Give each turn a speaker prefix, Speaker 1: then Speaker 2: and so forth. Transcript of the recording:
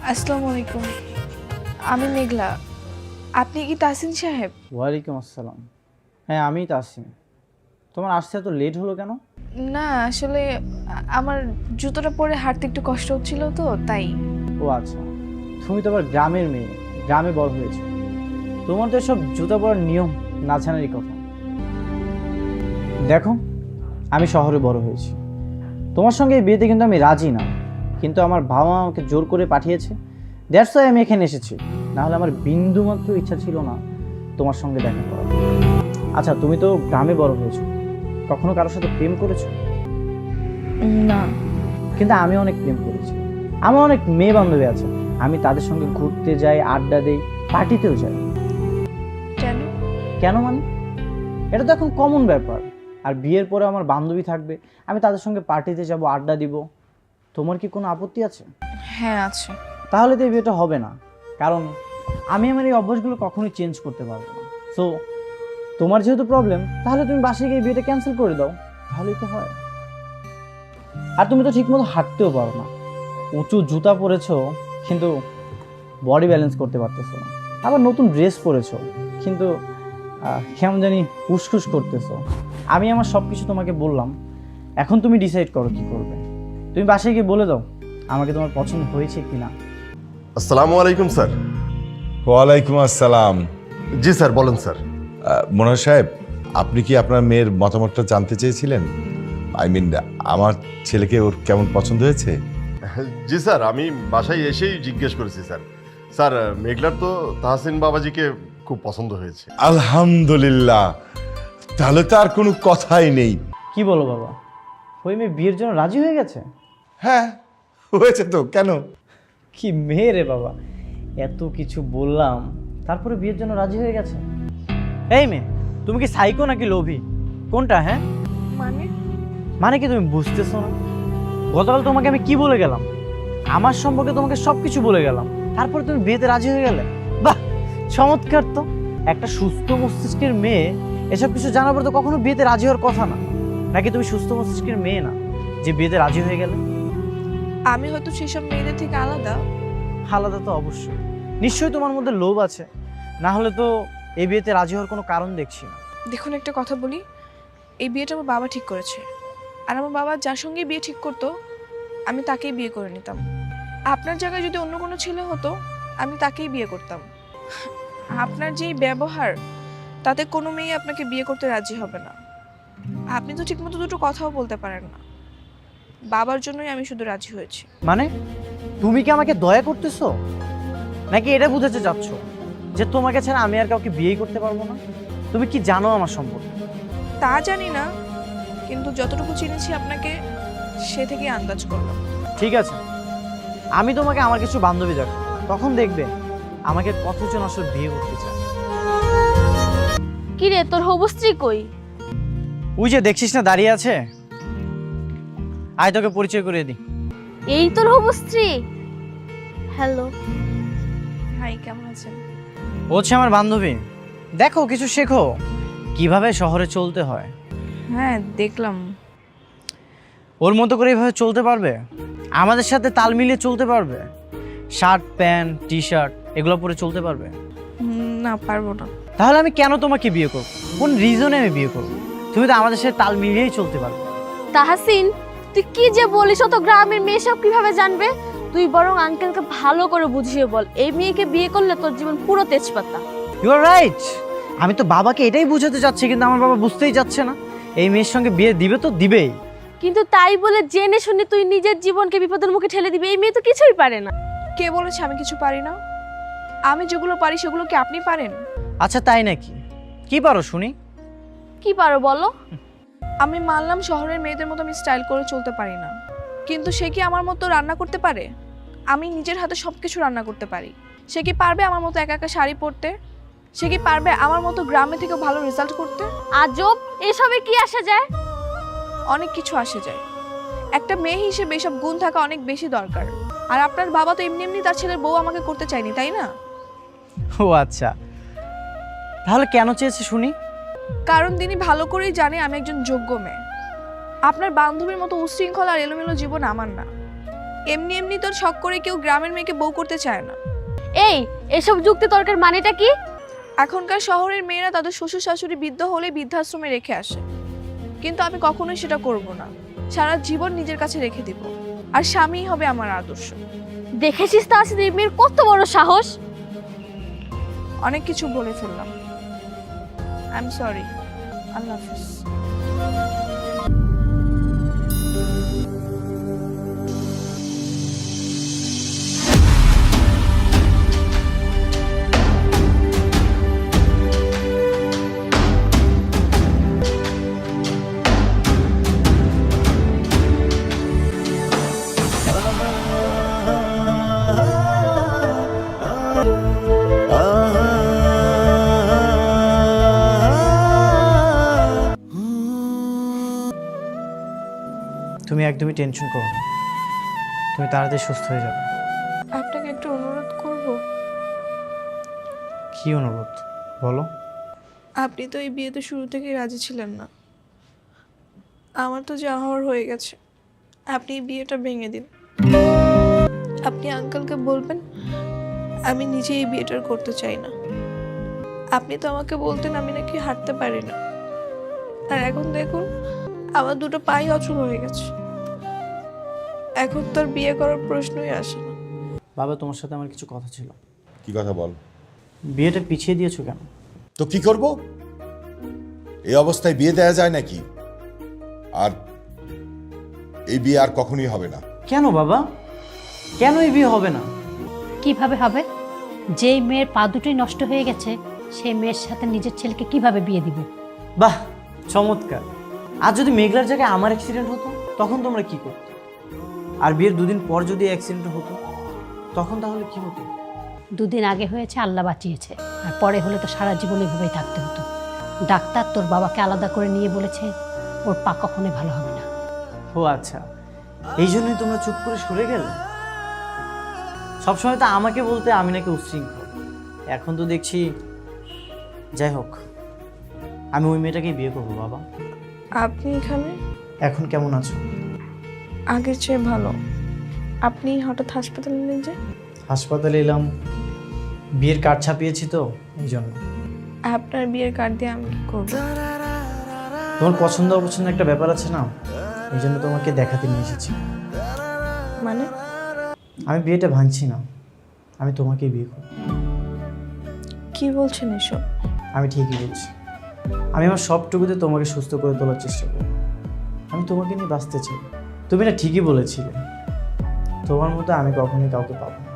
Speaker 1: আসসালামু আলাইকুম। আমি মেঘলা। আপনি কি তাসিন সাহেব?
Speaker 2: ওয়ালাইকুম আসসালাম। হ্যাঁ আমিই তাসিম। তোমার আসতে এত লেট হলো কেন?
Speaker 1: না আসলে আমার জুতোটা পরে হাঁটতে একটু কষ্ট হচ্ছিল তো তাই।
Speaker 2: ও আচ্ছা, তুমি তো আবার গ্রামের মেয়ে, গ্রামে বড় হয়েছো। তোমার তো এসব জুতা পরার নিয়ম না জানারই কথা। দেখো, আমি শহরে বড় হয়েছি। তোমার সঙ্গে এই বিয়েতে কিন্তু আমি রাজি না, কিন্তু আমার বাবা মা আমাকে জোর করে পাঠিয়েছে। দ্যাটস ওয়াই আমি এখানে এসেছি। নাহলে আমার বিন্দুমাত্র ইচ্ছা ছিল না তোমার সঙ্গে দেখা করার। আচ্ছা, তুমি তো গ্রামে বড় হয়েছো, কখনো কারোর সাথে প্রেম করেছো?
Speaker 1: না।
Speaker 2: কিন্তু আমি অনেক প্রেম করেছি। আমার অনেক মেয়ে বান্ধবী আছে, আমি তাদের সঙ্গে ঘুরতে যাই, আড্ডা দেই, পার্টিতেও যাই।
Speaker 1: কেন?
Speaker 2: কেন মানে? এটা তো এখন কমন ব্যাপার। আর বিয়ের পরে আমার বান্ধবী থাকবে, আমি তাদের সঙ্গে পার্টিতে যাব, আড্ডা দিব। তোমার কি কোনো আপত্তি আছে?
Speaker 1: হ্যাঁ আছে।
Speaker 2: তাহলে তো এই বিয়েটা হবে না, কারণ আমি আমার এই অভ্যাসগুলো কখনোই চেঞ্জ করতে পারবো না। সো তোমার যেহেতু প্রবলেম, তাহলে তুমি বাসায় গিয়ে বিয়েটা ক্যান্সেল করে দাও, তাহলেই তো হয়। আর তুমি তো ঠিকমতো হাঁটতেও পারো না, উঁচু জুতা পরেছো কিন্তু বডি ব্যালেন্স করতে পারতেছো না। আবার নতুন ড্রেস পরেছো কিন্তু কেমন জানি উসখুস করতেছো। আমি আমার সব কিছু তোমাকে বললাম, এখন তুমি ডিসাইড করো কি করবে। তুমি বাসায় গিয়ে বলে দাও আমাকে তোমার পছন্দ হয়েছে কি না।
Speaker 3: আসসালামু আলাইকুম স্যার।
Speaker 4: ওয়ালাইকুম আসসালাম।
Speaker 3: জি স্যার, বলেন স্যার।
Speaker 4: মনোহর সাহেব, আপনি কি আপনার মেয়ের মতামতটা জানতে চেয়েছিলেন? আই মিন, আমার ছেলেকে ওর কেমন পছন্দ হয়েছে?
Speaker 3: জি স্যার, আমি বাসায় এসেই জিজ্ঞেস করেছি স্যার। স্যার, মেঘলার তো তাহসিন বাবাজিকে খুব পছন্দ হয়েছে।
Speaker 4: আলহামদুলিল্লাহ, তাহলে তো আর কোনো কথাই নেই।
Speaker 2: কি বলো বাবা, ওই মেয়ে বিয়ের জন্য রাজি হয়ে গেছে?
Speaker 4: হ্যাঁ, হয়েছে তো, কেন?
Speaker 2: কি মেয়ে রে বাবা, এত কিছু বললাম তারপরে বিয়ের জন্য রাজি হয়ে গেছে। এই মেয়ে, তুমি কি সাইকো নাকি লোভী, কোনটা? হ্যাঁ
Speaker 1: মানে?
Speaker 2: মানে কি তুমি বুঝতেছো না? গতকাল তোমাকে আমি কি বলে গেলাম, আমার সম্পর্কে তোমাকে সব কিছু বলে গেলাম, তারপরে তুমি বিয়েতে রাজি হয়ে গেলে। বাহ, চমৎকার তো। একটা সুস্থ মস্তিষ্কের মেয়ে এসব কিছু জানার পর তো কখনো বিয়েতে রাজি হওয়ার কথা না। নাকি তুমি সুস্থ মস্তিষ্কের মেয়ে না যে বিয়েতে রাজি হয়ে গেলে?
Speaker 1: আমি হয়তো সেসব মেয়েদের থেকে আলাদা।
Speaker 2: আলাদা তো অবশ্যই, নিশ্চয়ই তোমার মধ্যে লোভ আছে, না হলে তো এই বিয়েতে রাজি হওয়ার কোনো কারণ দেখছি না।
Speaker 1: দেখুন একটা কথা বলি, এই বিয়েটা আমার বাবা ঠিক করেছে। আর আমার বাবা যার সঙ্গে বিয়ে ঠিক করতো আমি তাকেই বিয়ে করে নিতাম। আপনার জায়গায় যদি অন্য কোনো ছেলে হতো আমি তাকেই বিয়ে করতাম। আপনার যেই ব্যবহার, তাতে কোনো মেয়ে আপনাকে বিয়ে করতে রাজি হবে না। আপনি তো ঠিকমতো দুটো কথাও বলতে পারেন না। বাবার জন্যই আমি শুধু রাজি হয়েছি।
Speaker 2: মানে তুমি কি আমাকে দয়া করতেছো, নাকি এটা বুঝাতে চাচ্ছ যে তোমাকে ছাড়া আমি আর কাউকে বিয়ে করতে পারবো না? তুমি কি জানো আমার সম্পর্কে?
Speaker 1: তা জানি না, কিন্তু যতটুকু চিনেছি আপনাকে সে থেকেই আন্দাজ করলাম।
Speaker 2: ঠিক আছে, আমি তোমাকে আমার কিছু বান্ধবী দেখো, তখন দেখবে আমাকে কতজন আসলে বিয়ে করতে চায়।
Speaker 5: কি রে, তোর হবু স্ত্রী কই?
Speaker 2: ওই যে দেখছিস না দাঁড়িয়ে আছে, আয় তোকে পরিচয় করিয়ে দিই।
Speaker 5: এই তোর হবু স্ত্রী? হ্যালো।
Speaker 1: হাই, কেমন আছেন?
Speaker 2: ও হচ্ছে আমার বান্ধবী। দেখো, কিছু শেখো কিভাবে শহরে চলতে হয়।
Speaker 1: হ্যাঁ দেখলাম।
Speaker 2: ওর মতো করে এভাবে চলতে পারবে, আমাদের সাথে তাল মিলিয়ে চলতে পারবে, শার্ট প্যান্ট টি শার্ট এগুলো পরে চলতে পারবে?
Speaker 1: না, পারবো না।
Speaker 2: তাহলে আমি কেন তোমাকে বিয়ে করব? কোন রিজনে আমি বিয়ে করব? তুমি তো আমাদের সাথে তাল মিলিয়েই চলতে পারবে।
Speaker 5: তাহসিন, তুই কি যে বলিস, তো গ্রামের মেয়ে সব কিভাবে জানবে? তুই বরং আঙ্কেলকে ভালো করে বুঝিয়ে বল, এই মেয়েকে বিয়ে করলে তোর জীবন পুরো তেজপাতা।
Speaker 2: You are right. আমি তো বাবাকে এটাই বোঝাতে চাচ্ছি, কিন্তু আমার বাবা বুঝতেই যাচ্ছে না। এই মেয়ের সঙ্গে বিয়ে দিবে তো দিবেই,
Speaker 5: কিন্তু তাই বলে জেনে শুনে তুই নিজের জীবনকে বিপদের মুখে ঠেলে দিবি? এই মেয়ে তো কিছুই পারে না।
Speaker 1: কে বলেছে আমি কিছু পারি না? আমি যেগুলো পারি সেগুলো কি আপনি পারেন?
Speaker 2: আচ্ছা তাই নাকি? কি পারো শুনি?
Speaker 5: কি পারো বলো?
Speaker 1: আমি মানলাম শহরের মেয়েদের মতো আমি স্টাইল করে চলতে পারি না, কিন্তু সে কি আমার মতো রান্না করতে পারে? আমি নিজের হাতে সবকিছু রান্না করতে পারি। সে কি পারবে আমার মতো একা একা শাড়ি পরতে? সে কি পারবে আমার মতো গ্রামে থেকে ভালো রেজাল্ট করতে?
Speaker 5: আজব, এসবে কি আসে যায়?
Speaker 1: অনেক কিছু আসে যায়। একটা মেয়ে হিসেবে এসব গুণ থাকা অনেক বেশি দরকার। আর আপনার বাবা তো এমনি এমনি তার ছেলের বউ আমাকে করতে চায়নি, তাই না?
Speaker 2: ও আচ্ছা, তাহলে কেন চেয়েছে শুনি?
Speaker 1: কারণ তিনি ভালো করেই জানে আমি একজন যোগ্য মেয়ে। আপনার বান্ধবীর মতো উশৃঙ্খল আর এলোমেলো জীবন আমার না। এমনি এমনি তোর শখ করে কেউ গ্রামের মেয়েকে বউ করতে চায় না।
Speaker 5: এই এসব যুক্তি তর্কের মানেটা কি?
Speaker 1: এখনকার শহরের মেয়েরা তাদের শ্বশুর শাশুড়ি বৃদ্ধ হলে বৃদ্ধাশ্রমে রেখে আসে, কিন্তু আমি কখনোই সেটা করব না। সারা জীবন নিজের কাছে রেখে দিব, আর স্বামীই হবে আমার আদর্শ।
Speaker 5: দেখেছিস তাহসিন এই মেয়ের কত বড় সাহস।
Speaker 1: অনেক কিছু বলে ফেললাম, আই এম সরি। আল্লাহ হাফিজ।
Speaker 2: তুমি একদমই টেনশন করো না, তুমি তাড়াতাড়ি সুস্থ হয়ে যাবে।
Speaker 1: আপনাকে একটু অনুরোধ করব।
Speaker 2: কি অনুরোধ বলো?
Speaker 1: আপনি তো এই বিয়েতে শুরু থেকে রাজি ছিলেন না। আমার তো যা হওয়ার হয়ে গেছে, আপনি এই বিয়েটা ভেঙে দিন। আপনি আঙ্কেলকে বলবেন আমি নিজে এই বিয়েটা আর করতে চাই না। আপনি তো আমাকে বলতেন আমি নাকি হাঁটতে পারি না, আর এখন দেখুন আমার দুটো পাই অচল হয়ে গেছে। এখন তো আর বিয়ে করার প্রশ্নই আসে না।
Speaker 2: বাবা, তোমার সাথে আমার কিছু কথা ছিল।
Speaker 4: কি কথা বল?
Speaker 2: বিয়েটা পিছিয়ে দিয়েছো কেন?
Speaker 4: তো কি করব? এই অবস্থায় বিয়ে দেয়া যায় নাকি? আর এই বিয়ে আর কখনোই হবে না।
Speaker 2: কেন বাবা, কেন এই বিয়ে হবে না?
Speaker 6: কিভাবে হবে? যেই মেয়ের পা দুটোই নষ্ট হয়ে গেছে সেই মেয়ের সাথে নিজের ছেলেকে কিভাবে বিয়ে দিব?
Speaker 2: বাহ, চমৎকার। আর যদি মেঘলার জায়গায় আমার অ্যাক্সিডেন্ট হতো তখন তোমরা কি করতে? আর বিয়ের দুদিন পর যদি অ্যাক্সিডেন্ট হতো তখন তাহলে কি হতো?
Speaker 6: দুদিন আগে হয়েছে আল্লাহ বাঁচিয়েছে, আর পরে হলে তো সারা জীবন এভাবেই থাকতে হতো। ডাক্তার তোর বাবাকে আলাদা করে নিয়ে বলেছে ওর পা কখনোই ভালো হবে না।
Speaker 2: ও আচ্ছা, এই জন্যই তোমরা চুপ করে সরে গেলে। সবসময় তো আমাকে বলতে আমি নাকি উচ্ছৃঙ্খল, এখন তো দেখছি। যাই হোক, আমি ওই মেয়েটাকেই বিয়ে করবো বাবা।
Speaker 1: আপনি এখানে?
Speaker 2: এখন কেমন আছো?
Speaker 1: আগের চেয়ে ভালো। আপনি হঠাৎ হাসপাতালে নিয়ে যে?
Speaker 2: হাসপাতালে এলাম, বিয়ের কার্ড ছাপিয়েছি তো এই জন্য।
Speaker 1: আপনার বিয়ের কার্ড দিয়ে আমি কি করবো?
Speaker 2: তোমার পছন্দ অপছন্দ একটা ব্যাপার আছে না, এই জন্য তোমাকে দেখাতে নিয়ে এসেছি।
Speaker 1: মানে?
Speaker 2: আমি বিয়েটা ভাঙছি না, আমি তোমাকেই বিয়ে করব।
Speaker 1: কি বলছেন এসব?
Speaker 2: আমি ঠিকই বলছি। আমি আমার সবটুকুতে তোমাকে সুস্থ করে তোলার চেষ্টা করব। আমি তোমাকে নিয়ে বাঁচতে চাই। তুমি না ঠিকই বলেছিলে, তোমার মতো আমি কখনোই কাউকে পাবো না।